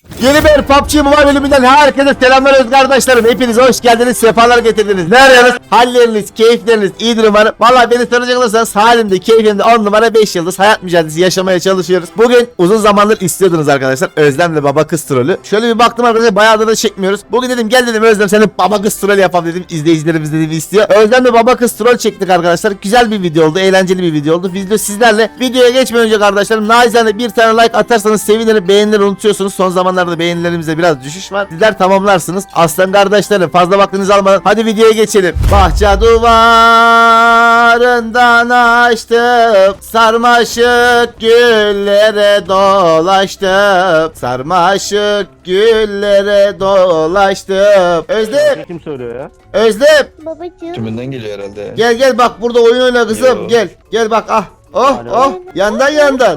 Yeni bir PUBG Mobile bölümünden herkese selamlar öz kardeşlerim. Hepiniz hoş geldiniz, sefalar getirdiniz. Ne arıyorsunuz? Halleriniz, keyifleriniz iyidir umarım. Vallahi beni soracak olursanız halimde, keyfimde 10 numara 5 yıldız hayat mücadelesi yaşamaya çalışıyoruz. Bugün uzun zamandır istiyordunuz arkadaşlar. Özlem'le baba kız trolü. Şöyle bir baktım arkadaşlar, bayağıdır da çekmiyoruz. Bugün dedim gel dedim Özlem senin baba kız trolü yapalım dedim. İzleyicilerimiz dedim istiyor. Özlem'le baba kız troll çektik arkadaşlar. Güzel bir video oldu, eğlenceli bir video oldu. Video sizlerle. Videoya geçmeden önce kardeşlerim naizane bir tane like atarsanız sevinirim. Beğenileri unutuyorsunuz. Son zamanlarda beğenilerimizde biraz düşüş var. Sizler tamamlarsınız. Aslan kardeşlerim fazla vaktinizi almadan hadi videoya geçelim. Bahçe duvarından açtım, sarmaşık güllere dolaştım, sarmaşık güllere dolaştım. Özlem, Kim söylüyor ya? Özlem, Babacığım. Tümünden geliyor herhalde. gel bak burada oyun oyna kızım. Yo. Gel bak ah. Oh Alo. oh yandan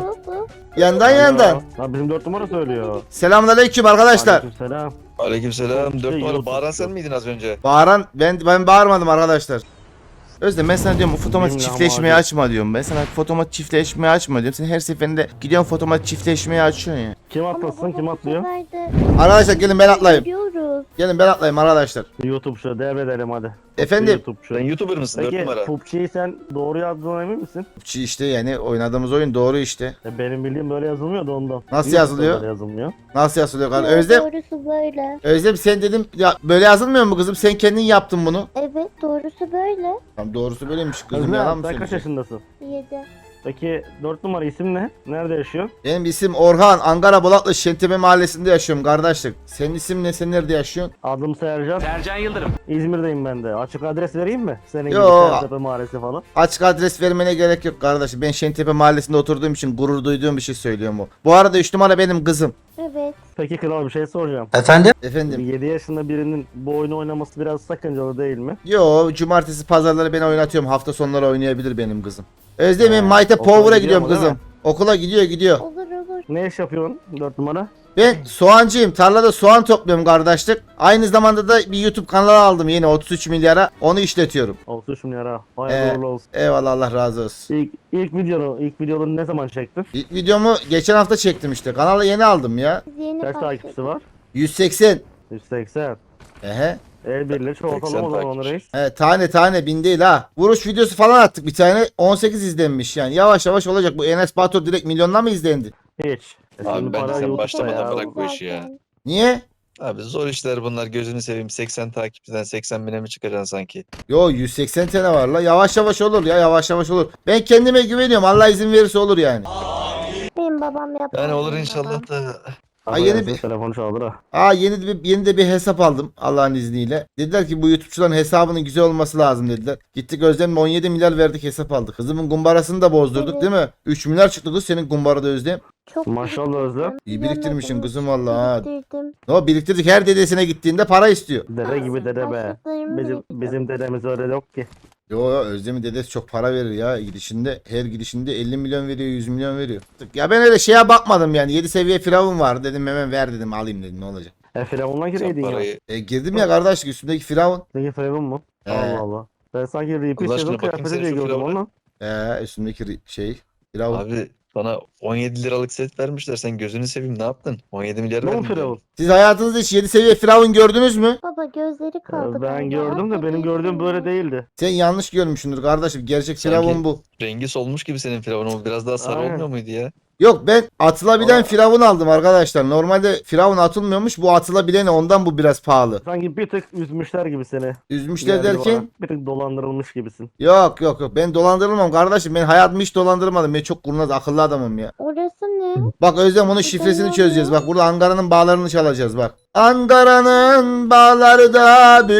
yandan. Ha, bizim 4 numara söylüyor. Selamünaleyküm arkadaşlar. Aleykümselam. Aleykümselam. 4 numara YouTube bağıran sen çok- miydin az önce? Bağıran ben bağırmadım arkadaşlar. Özlem ben sana diyorum bu fotomat Bilmiyorum çiftleşmeyi abi. açma diyorum. Ben sana fotomat çiftleşmeyi açma diyorum. Sen her seferinde gidiyorsun fotomat çiftleşmeyi açıyorsun ya. Kim atlasın kim atlıyor? Arkadaşlar gelin ben atlayayım. Gidiyoruz. Gelin ben atlayayım arkadaşlar. YouTube şu devredelim hadi. Efendim? YouTube şu. Sen YouTuber mısın 4 Peki numara? PUBG'yi sen doğru yazdığına emin misin? İşte yani oynadığımız oyun doğru işte. Benim bildiğim böyle yazılmıyor da ondan. Nasıl YouTube'da yazılıyor? böyle yazılmıyor. Nasıl yazılıyor kardeşim? Yok, Özlem, Doğrusu böyle. Özlem sen dedim ya böyle yazılmıyor mu kızım? Sen kendin yaptın bunu. Evet doğrusu böyle. Tamam doğrusu böyleymiş kızım yalan Özlem mı sen kaç söylüyorsun? yaşındasın? 7. Peki 4 numara isim ne? Nerede yaşıyor? Benim isim Orhan. Ankara Bolatlı Şentepe mahallesinde yaşıyorum kardeşlik. Senin isim ne? Sen nerede yaşıyorsun? Adım Sercan. Sercan Yıldırım. İzmir'deyim ben de. Açık adres vereyim mi? Senin gibi Yo. Sertepe Mahallesi falan. Açık adres vermene gerek yok kardeşim. Ben Şentepe mahallesinde oturduğum için gurur duyduğum bir şey söylüyorum bu. Bu arada 3 numara benim kızım. Evet. Peki kral bir şey soracağım. Efendim? 7 yaşında birinin bu oyunu oynaması biraz sakıncalı değil mi? Yo cumartesi pazarları ben oynatıyorum. Hafta sonları oynayabilir benim kızım. Özlem'in Mayte okula Power'a gidiyor gidiyorum mu, değil kızım. mi? Okula gidiyor. Olur olur. Ne iş yapıyorsun 4 numara? Ben soğancıyım. Tarlada soğan topluyorum kardeşlik. Aynı zamanda da bir YouTube kanalı aldım yeni 33 milyara. Onu işletiyorum. 33 milyar ha. Hayırlı uğurlu olsun. Eyvallah Allah razı olsun. İlk videonu ne zaman çektin? İlk videomu geçen hafta çektim işte. Kanalı yeni aldım ya. Biz yeni Kaç başladık. takipçisi var? 180. 180. Ehe. El birliği çoğaltalım 80 o zaman takipçi. reis. Tane bin değil ha. Vuruş videosu falan attık bir tane. 18 izlenmiş yani. Yavaş yavaş olacak. Bu Enes Batur direkt milyonla mı izlendi? Hiç. Abi Şimdi bence para sen YouTube'da başlamadan ya. bırak bu işi ya. Zaten. Niye? Abi zor işler bunlar, gözünü seveyim. 80 takipçiden 80 bine mi çıkacaksın sanki? Yo 180 tane var la. Yavaş yavaş olur ya. Yavaş yavaş olur. Ben kendime güveniyorum. Allah izin verirse olur yani. Benim babam yapar. Yani olur benim inşallah da. Ama yeni gelsin, bir- telefonu çaldır ha. Yeni de bir hesap aldım Allah'ın izniyle. Dediler ki bu YouTube'çuların hesabının güzel olması lazım dediler. Gittik Özlem'le 17 milyar verdik hesap aldık. Kızımın kumbarasını da bozdurduk Evet. değil mi? 3 milyar çıktı kız senin kumbarada Özlem. Çok Maşallah biriktirdim. Özlem. İyi biriktirmişsin Yemedim. kızım vallahi ha. Biriktirdim. O biriktirdik her dedesine gittiğinde para istiyor. Dede gibi dede be. Başlıklarımı Bizim dedemiz öyle yok ki. Yo Özlem'in dedesi çok para verir ya gidişinde. Her gidişinde 50 milyon veriyor 100 milyon veriyor. Ya ben öyle şeye bakmadım yani 7 seviye firavun var dedim hemen ver dedim alayım dedim ne olacak. Firavun'la Sen gireydin ya. parayı. Girdim ya kardeşlik üstündeki firavun. Peki Firavun mu? He. Allah Allah. Ben sanki repeat Allah aşkına sezon bakayım kıyafeti sen diye şu gördüm Firavun'a. onu. Üstündeki firavun. Abi sana 17 liralık set vermişler. Sen gözünü seveyim ne yaptın? 17 milyar Ne o verdin. Firavun? Siz hayatınızda hiç 7 seviye firavun gördünüz mü? Baba gözleri kaldı. Ben gördüm de benim gördüğüm böyle değildi. Sen yanlış görmüşsündür kardeşim. Gerçek Sanki- firavun bu. Rengi solmuş gibi senin Firavun'un. Biraz daha sarı Aynen. olmuyor muydu ya? Yok ben atılabilen Aa. firavun aldım arkadaşlar. Normalde firavun atılmıyormuş. Bu atılabileni ondan bu biraz pahalı. Sanki bir tık üzmüşler gibi seni. Üzmüşler Geldi derken bana. Bir tık dolandırılmış gibisin. yok. Ben dolandırılmam kardeşim. Ben hayatımı hiç dolandırmadım. Ben çok kurnaz akıllı adamım ya. Orası ne? Bak Özlem onun şifresini çözeceğiz. Bak burada Ankara'nın bağlarını çalacağız bak. Ankara'nın bağları da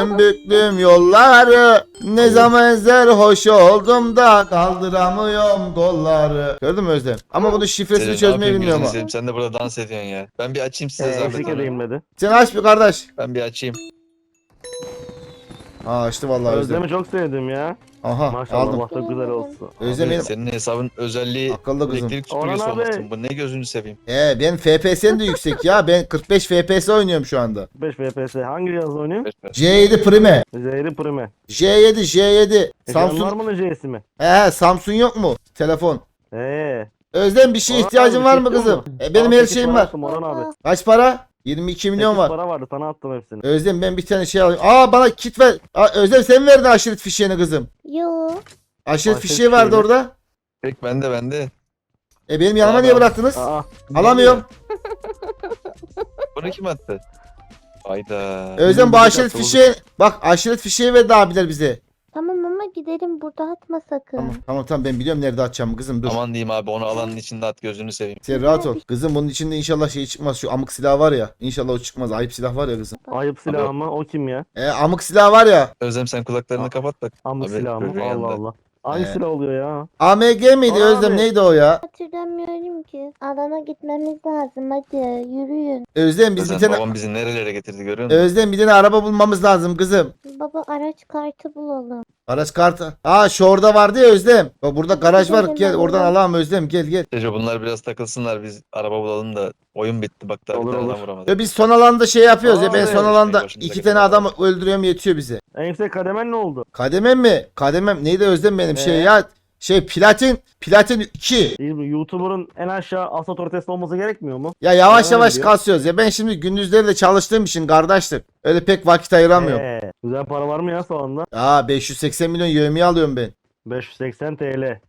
büklüm yolları. Ne zaman hoş oldum da kaldıramıyorum kolları. Gördün mü Özlem? Ama bunun şifresini Senin ne çözmeyi yapayım, bilmiyorum gözünü ama. seveyim. Sen de burada dans ediyorsun ya. Ben bir açayım size zahmet. Eşlik onu. edeyim dedi. Sen aç bir kardeş. Ben bir açayım. Açtı vallahi Özlem. Özlem'i çok sevdim ya. Aha Maşallah aldım. bak çok güzel olsun. Özlem Abi, benim senin hesabın özelliği akıllı kızım. elektrik Orhan süpürgesi abi. olmasın. Bu ne gözünü seveyim. Ben FPS'm de yüksek ya. Ben 45 FPS oynuyorum şu anda. 5 FPS. Hangi cihaz oynuyor? C7 Prime. Zehri Prime. J7. Samsung. Samsung. Var mı C'si mi? Samsung yok mu? Telefon. Özlem bir şeye Orhan ihtiyacın abi, var mı çekiyor kızım? mu? Benim her 8 şeyim para var. attım Orhan abi. Kaç para? 22 milyon 8 var. para vardı sana attım hepsini. Özlem ben bir tane şey alayım. Bana kit ver. Özlem sen verdin aşiret fişeğini kızım. Yo. Aşiret Aşiret fişeği vardı fişeği mi? orada. Pek bende. Benim yanıma Abi niye al. bıraktınız? Aa, Alamıyorum. Bunu kim attı? Hayda. Özlem bu Bizim aşiret bizi fişeği. Bak aşiret fişeği verdi abiler bize. Tamam ama gidelim, burada atma sakın. Tamam ben biliyorum nerede atacağım kızım dur. Aman diyeyim abi onu alanın içinde at gözünü seveyim. Sen rahat ol. Kızım bunun içinde inşallah şey çıkmaz. Şu amık silah var ya. İnşallah o çıkmaz. Ayıp silah var ya kızım. ayıp silahı mı? O kim ya? Amık silah var ya. Özlem sen kulaklarını kapat bak. Amık Abi, silahı mı? çocuğun Allah yanında. Allah. Hangi silah oluyor ya? AMG miydi Abi. Özlem neydi o ya? Hatırlamıyorum ki. Alana gitmemiz lazım, hadi yürüyün. Özlem biz bir Özlem tane babam bizi nerelere getirdi görüyor musun? Özlem bir tane araba bulmamız lazım kızım. Baba araç kartı bulalım. Araç kartı. Şu orada vardı ya Özlem. Bak burada garaj var. Gidelim, Gel oradan alalım. alalım Özlem gel. Tejo bunlar biraz takılsınlar biz araba bulalım da oyun bitti bak daha bir Olur, tane olur. adam vuramadık. Ve biz son alanda şey yapıyoruz ya. Ben evet. son alanda Başımıza 2 gelen tane adam var. öldürüyorum yetiyor bize. En yüksek kademen ne oldu? Kademem mi? Kademem neydi Özlem benim şey Ee? ya. Platin 2. Değil mi? YouTuber'ın en aşağı as otoritesi olması gerekmiyor mu? Ya yavaş Öyle yavaş diyor. kasıyoruz ya. Ben şimdi gündüzleri de çalıştığım için kardeşlik. Öyle pek vakit ayıramıyorum. Güzel para var mı ya şu anda? 580 milyon yevmiye alıyorum ben. 580 TL.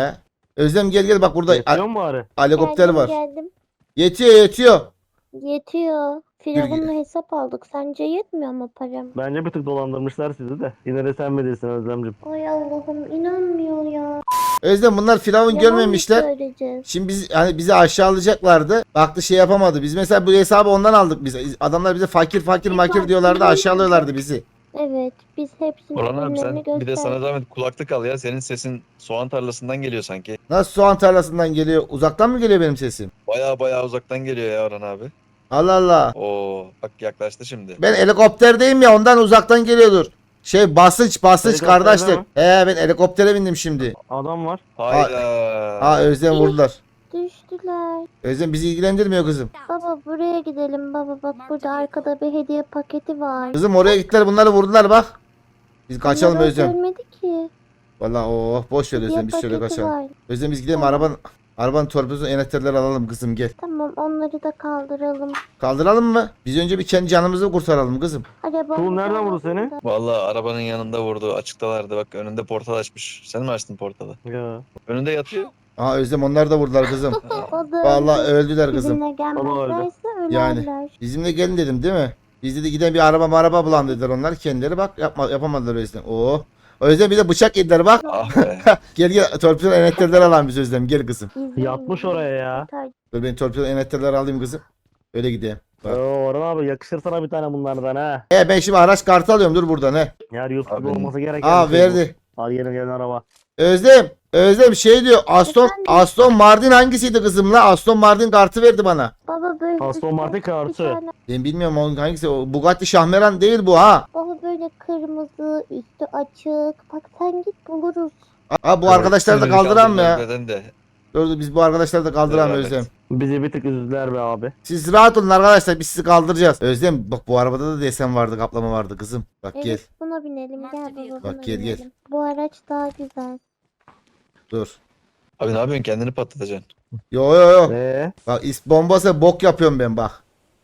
Özlem gel bak burada Yetiyor mu bari? helikopter Geldim, var. geldim. Yetiyor. Yetiyor. Firavun'la hesap aldık. Sence yetmiyor mu param? Bence bir tık dolandırmışlar sizi de. Yine de sen bilirsin Özlemciğim. Ay Allah'ım, inanmıyor ya. Özlem bunlar firavun Yalan mı görmemişler. söyleyeceğiz? Şimdi bizi aşağılayacaklardı. Baktı şey yapamadı. Biz mesela bu hesabı ondan aldık biz. Adamlar bize fakir makir diyorlardı, aşağılıyorlardı bizi. Evet, biz hepsinin Orhan abi sen ürünlerini bir de sana gösterdik. zahmet kulaklık al ya. Senin sesin soğan tarlasından geliyor sanki. Nasıl soğan tarlasından geliyor? Uzaktan mı geliyor benim sesim? Baya uzaktan geliyor ya Orhan abi. Allah Allah. Oo bak yaklaştı şimdi. Ben helikopterdeyim ya ondan uzaktan geliyordur. Basınç Helikopterde kardeşlik. mi? Ben helikoptere bindim şimdi. Adam var. Hayda. Özlem vurdular. Düştüler. Özlem bizi ilgilendirmiyor kızım. Baba buraya gidelim baba, bak burada arkada bir hediye paketi var. Kızım oraya gittiler bunları vurdular bak. Biz kaçalım Bunları Özlem. Görmedi ki. Vallahi boş ver Hediye Özlem biz şöyle paketi kaçalım. var. Özlem biz gidelim Tamam. arabanın torpidosunu enekterleri alalım kızım gel. Tamam, onları da kaldıralım. Kaldıralım mı? Biz önce bir kendi canımızı kurtaralım kızım. Arabamız nereden vurdu seni? arasında. Vallahi arabanın yanında vurdu. Açıktalardı bak önünde portal açmış. Sen mi açtın portalı? Ya. Önünde yatıyor. Özlem onlar da vurdular kızım. O da Vallahi öldü. öldüler kızım. Bizimle gelmezlerse Yani. ölerler. Bizimle gelin dedim değil mi? Biz dedi giden bir araba bulan dediler onlar kendileri bak yapamadılar Özlem. O yüzden bir de bıçak yediler bak. Ah be. Gel torpido enekterleri alalım biz Özlem gel kızım. İzleyin Yatmış bizi. oraya ya. Dur ben torpido enekterleri alayım kızım. Öyle gideyim. Bak. Orhan abi yakışır sana bir tane bunlardan ha. Ben şimdi araç kartı alıyorum dur buradan he. Yani YouTube'da Abi. olması gereken bir şey Verdi. bu. Al gelin araba. Özlem şey diyor Efendim? Aston Martin hangisiydi kızım la? Aston Martin kartı verdi bana. Baba böyle Aston Martin bir kartı. tane- Ben bilmiyorum onun hangisi. O Bugatti Şahmeran değil bu ha. Baba böyle kırmızı, üstü açık. Bak sen git buluruz. Bu arkadaşları da kaldıran mı ya? Kaldırmadan de. Dur biz bu arkadaşları da kaldıran Evet. Özlem. Bizi bir tık üzdüler be abi. Siz rahat olun arkadaşlar biz sizi kaldıracağız. Özlem bak bu arabada da desen vardı kaplama vardı kızım. Bak Evet, gel buna binelim. Gel baba, buna Bak, gel, gel. binelim. Bu araç daha güzel. dur. Abi ne yapıyorsun kendini patlatacaksın. Yo. Eee? Bak bombası bok yapıyorum ben bak.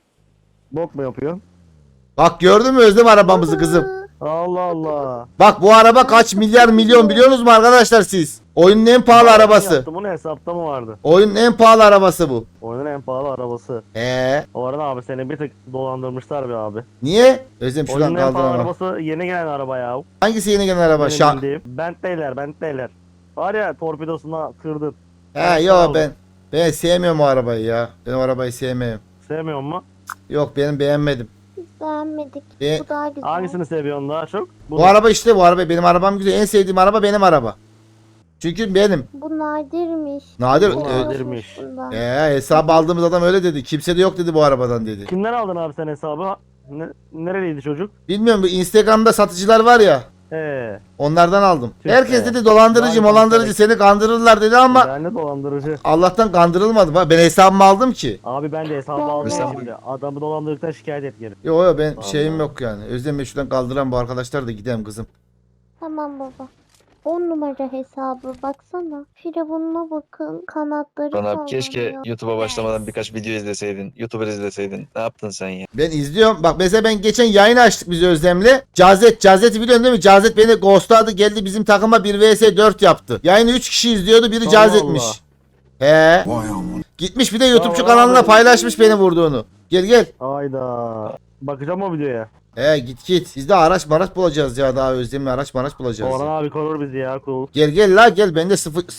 Bok mu yapıyor? Bak gördün mü Özlem arabamızı kızım. Aa, Allah Allah. Bak bu araba kaç milyar milyon biliyorsunuz mu arkadaşlar siz? Oyunun en pahalı arabası. Yaptım, bunu hesapta mı vardı? Oyunun en pahalı arabası bu. Oyunun en pahalı arabası. O Orhan abi seni bir tık dolandırmışlar be abi. niye? Özlem şuradan Oyunun en pahalı kaldır ama. arabası yeni gelen araba ya. Hangisi yeni gelen araba? Benim bildiğim. Bentley'ler. Var ya torpidosuna kırdın. Yo ben sevmiyorum o arabayı ya. Ben o arabayı sevmiyorum. Sevmiyor mu? Yok benim beğenmedim. biz beğenmedik. Be- Bu daha güzel. Hangisini seviyorsun daha çok? Bu araba işte bu araba benim arabam güzel. En sevdiğim araba benim araba. Çünkü benim. Bu nadirmiş. Nadir. Bu Yokmuş nadirmiş. bundan. Hesabı aldığımız adam öyle dedi. Kimse de yok dedi bu arabadan dedi. Kimden aldın abi sen hesabı? Nereliydi çocuk? Bilmiyorum bu Instagram'da satıcılar var ya. Onlardan aldım. Tüh Herkes be. dedi dolandırıcı Vay dolandırıcı be. seni kandırırlar dedi ama Ben de dolandırıcı. Allah'tan kandırılmadım. Ben hesabımı aldım ki. Abi ben de hesabı aldım Mesela- şimdi. Adamı dolandırdıktan şikayet et geri. Yo ben Allah. şeyim yok yani. Özlem şuradan kaldıran bu arkadaşlar da gidelim kızım. Tamam baba. 10 numara hesabı baksana. Firavununa bakın. Kanatları Bana sallanıyor. keşke YouTube'a başlamadan birkaç video izleseydin. YouTuber izleseydin. Ne yaptın sen ya? Ben izliyorum. Bak mesela ben geçen yayın açtık biz Özlem'le. Cazet'i biliyorsun değil mi? Cazet beni ghostladı, geldi bizim takıma 1 vs 4 yaptı. Yayını 3 kişi izliyordu, biri Allah Cazet'miş. Allah. He. Gitmiş bir de YouTube'cu Allah kanalına Allah. paylaşmış beni vurduğunu. Gel gel. Ayda. Bakacağım o videoya. He git. Biz de araç bulacağız ya, daha Özlem'le araç bulacağız. Orhan abi korur bizi ya, cool. Gel la gel, bende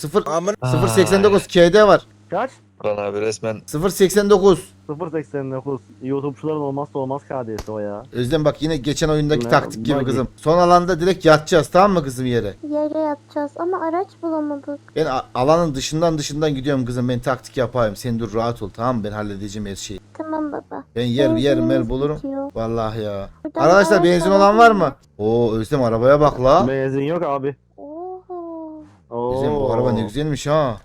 089 KD var. Kaç? Burhan abi resmen 089. 0.89. YouTube'çuların olmazsa olmaz KD'si o ya. Özlem bak yine geçen oyundaki Ne? taktik gibi Buggy. kızım. Son alanda direkt yatacağız, tamam mı kızım yere? Yere yatacağız ama araç bulamadık. Ben alanın dışından gidiyorum kızım, ben taktik yapayım. Sen dur rahat ol, tamam mı? Ben halledeceğim her şeyi. Tamam baba. Ben yer Benzinimiz bulurum. bitiyor. Vallahi ya. Buradan Arkadaşlar araç benzin olan var mı? alabiliriz. Oo Özlem arabaya bak la. Benzin yok abi. Oho. Özlem bu araba ne güzelmiş ha.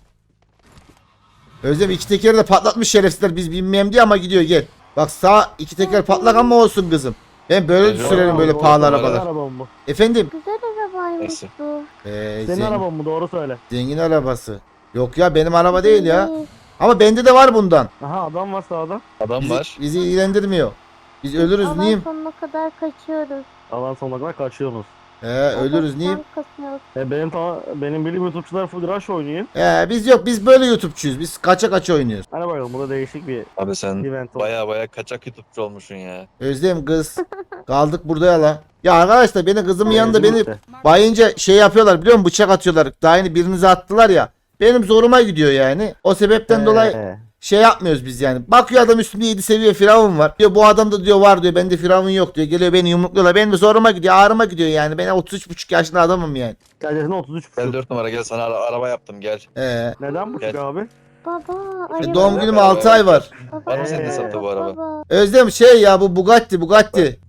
Özlem iki tekeri de patlatmış şerefsizler, biz binmeyeyim diye ama gidiyor, gel. Bak sağ iki teker patlak ama olsun kızım. Ben böyle Güzel sürerim böyle Doğru, pahalı doğru. arabalar. Senin araban mı? Efendim? Güzel arabaymış Neyse. bu. Senin araban mı? Doğru söyle. Zengin arabası. Yok ya benim araba değil ya. Değil. Ama bende de var bundan. Aha adam var sağda. adam var. Bizi ilgilendirmiyor. Biz ölürüz Alan neyim? sonuna kadar kaçıyoruz. Alan sonuna kadar kaçıyorsunuz. Ölürüz neyim? Tank kasıyoruz. Benim bildiğim YouTube'çular full rush oynuyor. Biz yok, biz böyle YouTube'çuyuz. Biz kaça oynuyoruz. Hadi bakalım, bu da değişik bir Abi sen event oldu. baya kaçak YouTube'cu olmuşsun ya. Özlem kız. Kaldık burada ya la. Ya arkadaşlar beni kızımın yanında beni işte. bayınca şey yapıyorlar biliyor musun? Bıçak atıyorlar. Daha yeni birinize attılar ya. Benim zoruma gidiyor yani. O sebepten dolayı şey yapmıyoruz biz yani. Bakıyor adam üstünde 7 seviye firavun var. Diyor bu adamda diyor var diyor. Bende firavun yok diyor. Geliyor beni yumrukluyorlar. Benim de zoruma gidiyor. Ağrıma gidiyor yani. Ben 33,5 yaşında adamım yani. Gerçekten 33 Gel buçuk. 4 numara gel sana araba yaptım gel. Neden buçuk Gel. abi? Baba araba. Doğum günüm 6 ay var. Baba, Var mı senin Ee. hesapta bu araba? Baba. Özlem şey ya bu Bugatti.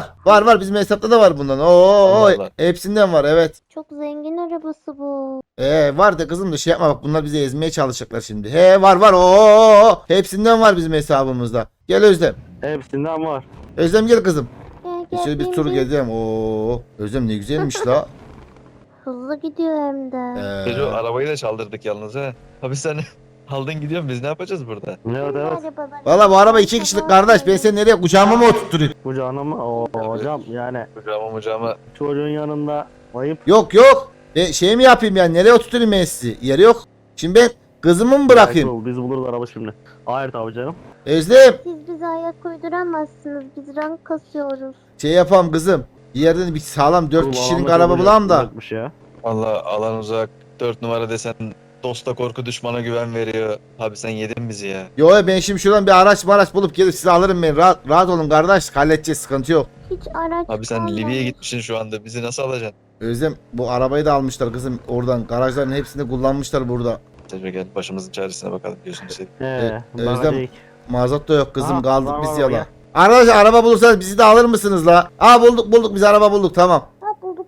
Var bizim hesapta da var bundan. Oo Allah. hepsinden var evet. Çok zengin arabası bu. Var da kızım da şey yapma bak, bunlar bizi ezmeye çalışacaklar şimdi. Var oo hepsinden var bizim hesabımızda. Gel Özlem. Hepsinden var. Özlem gel kızım. Gel Şöyle bir tur bindir. gezeceğim. Oo Özlem ne güzelmiş la. Hızlı gidiyor hem de. Çocuğu arabayı da çaldırdık yalnız ha. Abi sen aldın gidiyorsun biz ne yapacağız burada? Evet evet. Arabalar- Valla bu araba 2 kişilik kardeş. Ben seni nereye kucağıma mı oturtturayım? Kucağına mı? Oo hocam yani Kucağıma. çocuğun yanında ayıp. Yok. Ben şey mi yapayım yani, nereye oturtayım ben sizi? Yeri yok. Şimdi ben kızımı mı bırakayım? Biz buluruz araba şimdi. Hayır tabii canım. Özlem Siz bize ayak uyduramazsınız. Biz rank kasıyoruz. şey yapalım kızım. Bir yerden bir sağlam 4 Oğlum, kişilik alanda araba çok bulalım da. uzakmış Ya. Valla alan uzak. 4 numara desen dosta korku düşmana güven veriyor. Abi sen yedin bizi ya. Yo ben şimdi şuradan bir araç bulup gelip sizi alırım ben. Rahat olun kardeş. Halledeceğiz, sıkıntı yok. Hiç araç Abi sen kalmamış. Libya'ya gitmişsin şu anda. Bizi nasıl alacaksın? Özlem bu arabayı da almışlar kızım oradan. Garajların hepsini kullanmışlar burada. Tecrübe gel başımızın çaresine bakalım gözünü seveyim. Bana Özlem- değil. Mazot da yok kızım, Aa, kaldık var, biz var, yala. gel. Arkadaşlar araba bulursanız bizi de alır mısınız la? Bulduk biz araba bulduk, tamam. Ha, bulduk.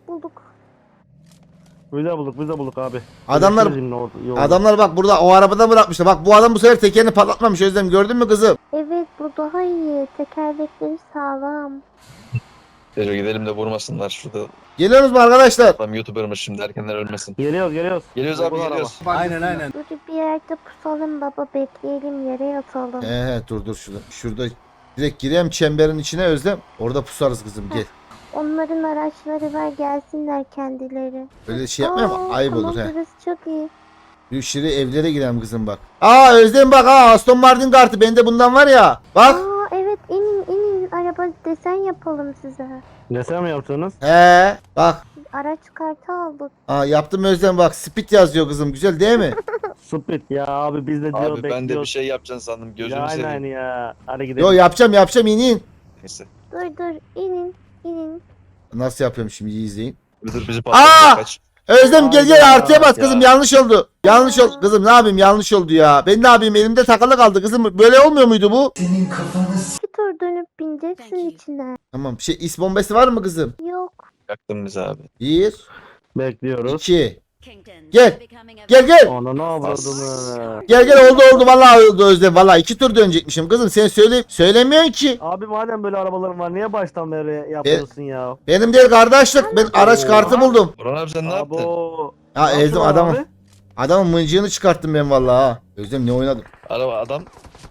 Biz de bulduk abi. Adamlar Görüşürüz yine yolda. Adamlar bak burada o arabada bırakmışlar. Bak bu adam bu sefer tekerini patlatmamış Özlem, gördün mü kızım? Evet bu daha iyi. Tekerlekleri sağlam. Tecrübe gidelim de vurmasınlar şurada. Geliyorsunuz mu arkadaşlar? Adam YouTuber'mış şimdi erkenler ölmesin. Geliyoruz. Geliyoruz abi Bu araba. geliyoruz. Dur bir yerde pusalım baba. Bekleyelim yere yatalım. Dur şurada direkt gireyim çemberin içine Özlem. Orada pusarız kızım, gel. Onların araçları var gelsinler kendileri. Öyle şey yapmayalım Aa, ayıp tamam, olur he. burası çok iyi. Yürü evlere girelim kızım bak. Özlem bak Aston Martin kartı bende bundan var ya. Bak. Evet inin araba desen yapalım size. Desen mi yapacaksınız? Bak. Araç kartı aldık. Yaptım Özlem bak, speed yazıyor kızım, güzel değil mi? Split ya abi biz de diyor Abi ben de bir bekliyoruz. şey yapacaksın sandım gözünü Ya aynen seveyim. ya. Hadi gidelim. Yo yapacağım inin. Neyse. Dur inin. Nasıl yapıyorum şimdi, iyi izleyin. Dur bizi patlatacak kaç. Özlem gel Hayda. artıya bas kızım, Ya. yanlış oldu. Yanlış oldu kızım, ne yapayım, yanlış oldu ya. Ben ne yapayım, elimde takılı kaldı kızım. Böyle olmuyor muydu bu? Bir tur dönüp bineceksin içine. Tamam is bombası var mı kızım? Yok. Yaktın bizi abi. 1 Bekliyoruz. 2 Gel. Gel gel. Ananı avradını. Gel oldu vallahi oldu Özlem. Vallahi 2 tur dönecekmişim kızım. Sen söylemiyorsun ki. Abi madem böyle arabaların var niye baştan beri yapıyorsun ya? Benim değil kardeşlik. Ben araç kartı buldum. Orhan abi sen ne yaptın? Abo. Ya Ne Özlem yaptın adamın abi? adamın mıncığını çıkarttım ben vallahi ha. Özlem ne oynadım? Araba adam.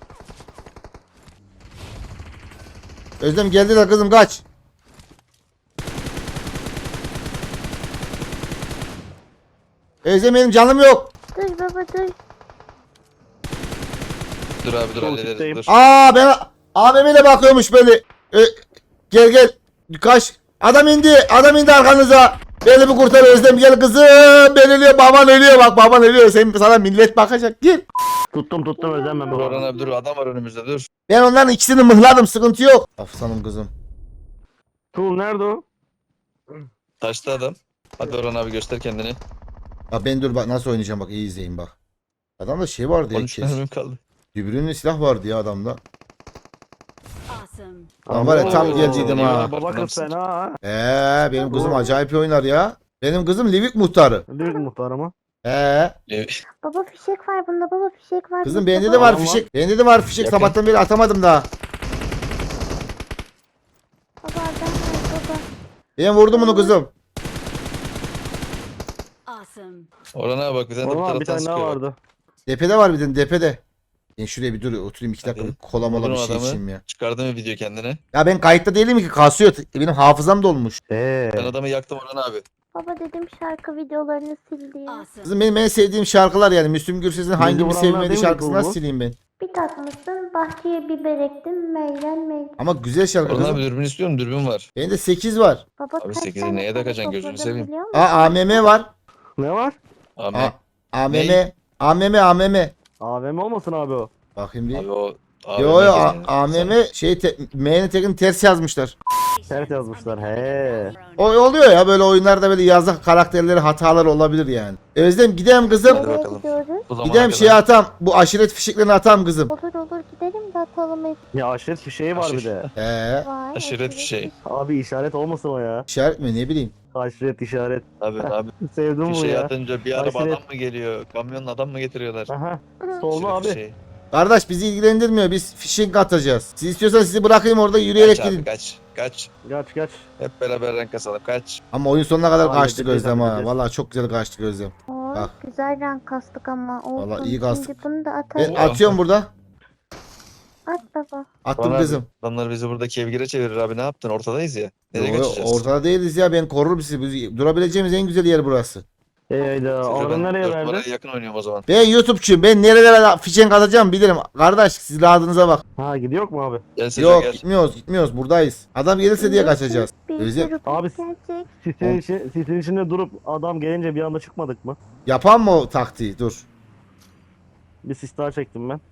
Özlem geldiler kızım kaç. Özlem benim canım yok. Dur baba dur. Dur abi dur Dur, hallederiz kitleyim. dur. Ben AVM'yle bakıyormuş böyle. Gel. Kaç. Adam indi arkanıza. Beni bir kurtar Özlem gel kızım. Ben ölüyor baban ölüyor bak baban ölüyor. Sana millet bakacak gel. Tuttum Özlem ben Dur bu Orhan abi dur adam var önümüzde dur. Ben onların ikisini mıhladım sıkıntı yok. Aslanım kızım. Tuğ nerede o? Taştı adam. Hadi Orhan abi göster kendini. Bak ben dur bak nasıl oynayacağım bak iyi izleyin bak. Adamda şey vardı ya 13 kes. mermim kaldı. Dübürünlü silah vardı ya adamda. Awesome. Lan var ya tam Oo, gelecektim iyi ha. var. Baba kız fena ha. Benim kızım acayip iyi oynar ya. Benim kızım Livik muhtarı. Büyük muhtar ama. Baba fişek var bunda baba fişek var. Kızım bunda, bende de baba. var fişek. Bende de var fişek Yakın. sabahtan beri atamadım daha. Baba adam var baba. Ben vurdum bunu kızım. Awesome. Orhan abi bak bir tane de bu Orhan bir taraftan tane daha sıkıyor. vardı. Depede var bir de depede. Ben şuraya bir dur oturayım 2 dakika Hadi. bir kola mola bir Vurdun şey adamı. içeyim ya. Çıkardı mı video kendine? Ya ben kayıtta değilim ki kasıyor. Benim hafızam dolmuş. Ben adamı yaktım Orhan abi. Baba dedim şarkı videolarını sildi ya. Awesome. Kızım benim en sevdiğim şarkılar yani. Müslüm Gürses'in hangimi vuranlar sevmediği değil mi şarkısını bu? nasıl sileyim ben? Bir takmışsın bahçeye biber ektim meylen. Ama güzel şarkı Orhan kızım. abi dürbün istiyorum dürbün var. Bende 8 var. Baba Abi kaç 8'i tane neye tane takacaksın, gözünü topladım seveyim. biliyor musun? AMM var. Ne var? Ahmet. AMM. AVM olmasın abi o. Bakayım bir. Abi o. Abi Yo ne geziyor? AMM M'nin tekin ters yazmışlar. Ters yazmışlar he. O oluyor ya böyle oyunlarda böyle yazık karakterleri hatalar olabilir yani. Özlem gidelim kızım. Hadi Nereye bakalım. gidiyoruz? Bu zamana Gidelim kadar. şey atam. Bu aşiret fişeklerini atam kızım. Olur gidelim de atalım hep Ya aşiret fişeği var bir de. var. Aşiret fişeği. Abi işaret olmasın o ya. İşaret mi ne bileyim. Aşiret işaret. Abi Sevdim bu fişeği ya. atınca bir araba Aşiret. adam mı geliyor? Kamyonla adam mı getiriyorlar? Aha. Sollu Aşiret abi. fişeği. Kardeş bizi ilgilendirmiyor. Biz fişek atacağız. Siz istiyorsanız sizi bırakayım orada yürüyerek Kaç abi gidin. kaç. Kaç. Hep beraber renk kasalım kaç. Ama oyun sonuna kadar Abi, kaçtık gideceğiz, Özlem ha. gideceğiz. Vallahi çok güzel kaçtık Özlem. Oo, Bak. güzel renk kastık ama. Olsun. Vallahi iyi kastık. Şimdi bunu da Ben atalım. Oo. atıyorum burada. At baba. Attım Bana kızım. adamlar bizi burada kevgire çevirir abi ne yaptın? Ortadayız ya. Nereye Yo, kaçacağız? ortada değiliz ya ben korurum sizi. Durabileceğimiz en güzel yer burası. Hayda. Size Orhan ben nereye 4 verdi? numaraya yakın oynuyorum o zaman. Ben YouTube'çuyum. Ben nerelere fişek atacağım bilirim. Kardeş siz rahatınıza bak. Ha gidiyor mu abi? Gel Seco Yok gel. gitmiyoruz buradayız. Adam gelirse diye kaçacağız. Bir Özlem. sürü Abi- gelecek. Sisin içinde durup adam gelince bir anda çıkmadık mı? Yapan mı o taktiği? Dur. Bir sis daha çektim ben.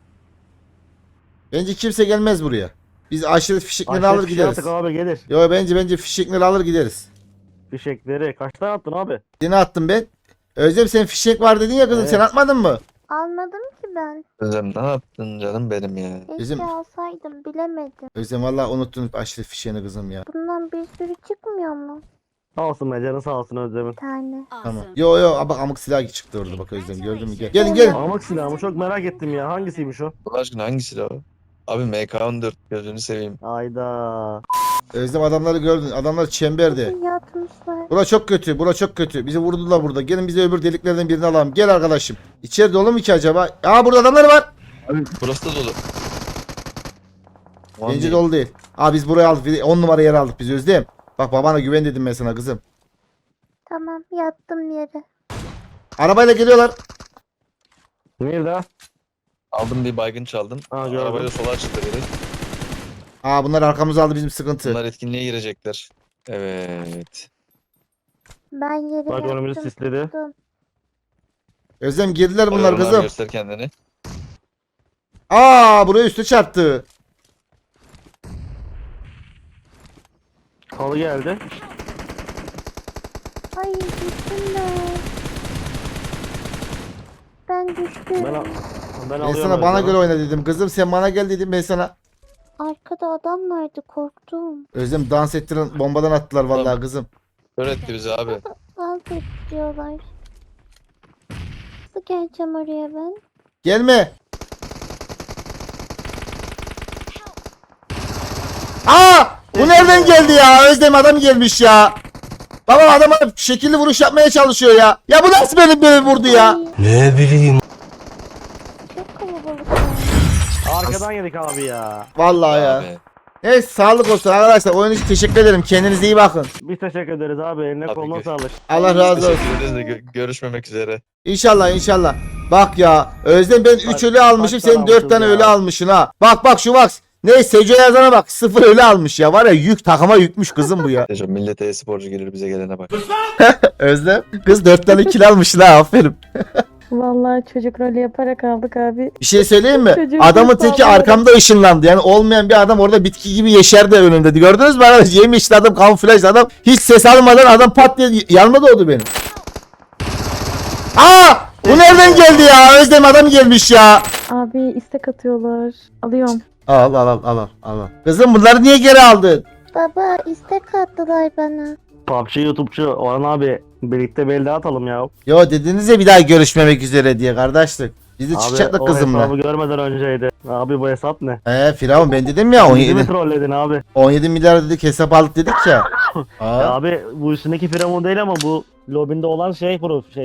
Bence kimse gelmez buraya. Biz aşiret fişekleri Aşiret alır fişeği gideriz. attık abi gelir. Yo bence fişekleri alır gideriz. Fişekleri. Kaç tane attın abi? Yine attım ben. Özlem sen fişek var dedin ya kızım Evet. sen atmadın mı? Almadım ki ben. Özlem ne yaptın canım benim ya. Keşke Bizim- alsaydım bilemedim. Özlem valla unuttun aşiret fişeğini kızım ya. Bundan bir sürü çıkmıyor mu? Sağ olsun be canın sağ olsun Özlem'in. Bir tane. Tamam. Awesome. Yo bak amık silah çıktı orada bak Özlem gördün mü? Gelin gelin. Almak silahımı çok merak ettim ya. Hangisiymiş o? Allah aşkına hangisi o? Abi MK14 gözünü seveyim. Ayda. Özlem adamları gördün. Adamlar çemberde. Yatmışlar. Bura çok kötü. Bura çok kötü. Bizi vurdular burada. Gelin bizi öbür deliklerden birini alalım. Gel arkadaşım. İçeri dolu mu ki acaba? Aa burada adamlar var. Abi burası da dolu. Aman Bence diyeyim. dolu değil. Aa biz buraya aldık. 10 numara yer aldık biz Özlem. Bak babana güven dedim ben sana kızım. Tamam yattım yere. Arabayla geliyorlar. Nerede? Aldım bir baygın çaldım. Ha, gördüm. Arabayla sola çıktı biri. Aa bunlar arkamıza aldı bizim sıkıntı. Bunlar etkinliğe girecekler. Evet. Ben yere Bak önümüzü yattım. sisledi. tuttum. Özlem girdiler bunlar Orhan abi kızım. göster kendini. Aa buraya üstü çarptı. Halı geldi. Ay düştüm ben. Ben düştüm. Ben Ben alıyorum sana bana Özlem'i. göre oyna dedim. Kızım sen bana gel dedim ben sana. Arkada adam vardı korktum. Özlem dans ettiren bombadan attılar vallahi Tamam. kızım. Kör etti bizi abi. Dans ediyorlar. Nasıl geleceğim oraya ben? Gelme. Aa! Bu nereden geldi ya? Özlem adam gelmiş ya. Baba adama şekilli vuruş yapmaya çalışıyor ya. Ya bu nasıl beni vurdu ya? Ay, çok kalabalık ya. Arkadan yedik abi ya. Vallahi ya. Abi. Evet sağlık olsun arkadaşlar. Oyun için teşekkür ederim. Kendinize iyi bakın. Biz teşekkür ederiz abi. Eline Abi koluna gö- sağlık. Allah razı olsun. Teşekkür ederiz de görüşmemek üzere. İnşallah inşallah. Bak ya Özlem ben 3 ölü almışım, kaç sen tane 4 tane almışız ölü ya? almışsın ha. Bak şu bak. Ne Seco yazana bak 0 ölü almış ya. Var ya yük takıma yükmüş kızım bu ya. Hocam millete e-sporcu gelir bize gelene bak. Özlem kız 4 tane kill almış la aferin. Vallahi çocuk rolü yaparak aldık abi. Bir şey söyleyeyim mi? Çocuğun Adamın kız teki sağlığı. arkamda ışınlandı. Yani olmayan bir adam orada bitki gibi yeşerdi önümde. Gördünüz mü arkadaş? Yemişli adam, kamuflajlı adam. Hiç ses almadan adam pat diye yanıma doğdu benim. Aa! Bu nereden geldi ya? Özlem adam gelmiş ya. Abi istek atıyorlar. Alıyorum. Al. Kızım bunları niye geri aldın? Baba istek attılar bana. PUBG YouTube'cu Orhan abi. Birlikte bir elde atalım ya. Yo dediniz ya bir daha görüşmemek üzere diye kardeşlik. Biz de çıkacaktık o kızımla. hesabı görmeden önceydi. Abi bu hesap ne? Firavun ben dedim ya Bizi mi 17 trolledin abi? 17 milyar dedik hesap aldık dedik ya. Aa. Ya abi bu üstündeki firavun değil ama bu lobinde olan şey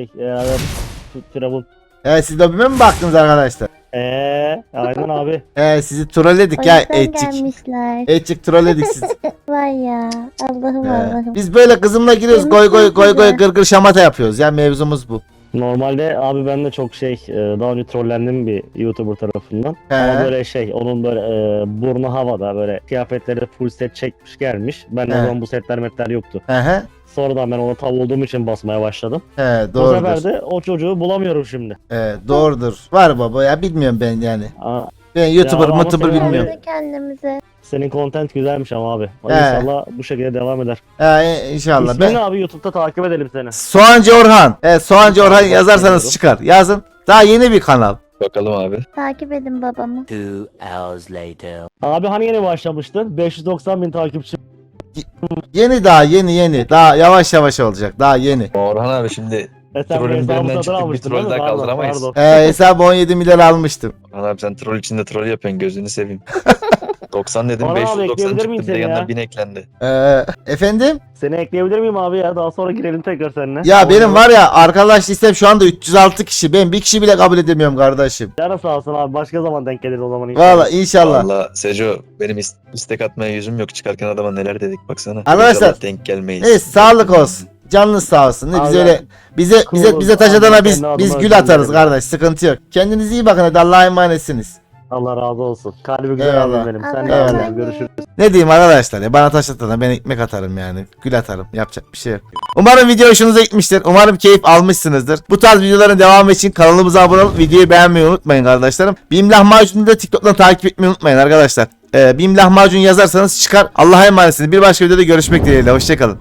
firavun. Siz lobime mi baktınız arkadaşlar? Aynen abi. Sizi trolledik O ya yüzden etçik. gelmişler. Etçik trolledik sizi. Vay ya. Allah'ım Allah'ım. Biz böyle kızımla giriyoruz goy goy güzel. gırgır şamata yapıyoruz ya mevzumuz bu. Normalde abi ben de çok daha önce trollendim bir YouTuber tarafından. Ama böyle onun böyle burnu havada böyle kıyafetleri full set çekmiş gelmiş. Ben de o He. zaman bu setler metler yoktu. He. Sonradan ben ona tav olduğum için basmaya başladım. Bu Doğrudur. sefer de o çocuğu bulamıyorum şimdi. Doğrudur. Var baba ya bilmiyorum ben yani. Aa, Ben YouTuber ama mutuber senin bilmiyorum. Kendi kendimize. senin content güzelmiş ama abi. He. İnşallah bu şekilde devam eder. İnşallah. İsmini Ben abi YouTube'da takip edelim seni. Soğancı Orhan. Soğancı Orhan Takip yazarsanız ediyorum. çıkar. Yazın. Daha yeni bir kanal. Bakalım abi. Takip edin babamı. 2 hours later. Abi hani yeni başlamıştın? 590.000 takipçi. Yeni daha yeni. Daha yavaş olacak. Daha yeni. Orhan abi şimdi Sen Trollün bu hesabı birinden satın çıktık, bir almıştın troll değil mi? daha Pardon, kaldıramayız. pardon. Hesabı 17 milyar almıştım. Orhan abi sen troll içinde troll yapıyorsun gözünü seveyim. 90 dedim Orhan abi, 590 ekleyebilir miyim çıktı bir de seni yanına ya? 1000 eklendi. Efendim? Seni ekleyebilir miyim abi ya? Daha sonra girelim tekrar seninle. Ya benim var ya arkadaş listem şu anda 306 kişi. Ben bir kişi bile kabul edemiyorum kardeşim. Canı sağ olsun abi. Başka zaman denk geliriz o zaman inşallah. Valla inşallah. Valla Seco benim istek atmaya yüzüm yok çıkarken adama neler dedik baksana. Arkadaşlar, İnşallah denk gelmeyiz. Evet sağlık olsun. Canınız sağ olsun. Ne biz Allah- öyle bize Cool. taş atana Allah biz kendi biz adıma gül özür atarız dilerim. kardeş. Sıkıntı yok. Kendinize iyi bakın hadi Allah'a emanetsiniz. Allah razı olsun. Kalbi güzel Eyvallah. abim benim. Sen Allah de razı abi. olsun. Görüşürüz. Ne diyeyim arkadaşlar ya bana taş atana ben ekmek atarım yani. Gül atarım. Yapacak bir şey yok. Umarım video hoşunuza gitmiştir. Umarım keyif almışsınızdır. Bu tarz videoların devamı için kanalımıza abone olup videoyu beğenmeyi unutmayın kardeşlerim. Bim Lahmacun'u da TikTok'tan takip etmeyi unutmayın arkadaşlar. Bim Lahmacun yazarsanız çıkar. Allah'a emanetsiniz. Bir başka videoda görüşmek dileğiyle. Hoşçakalın.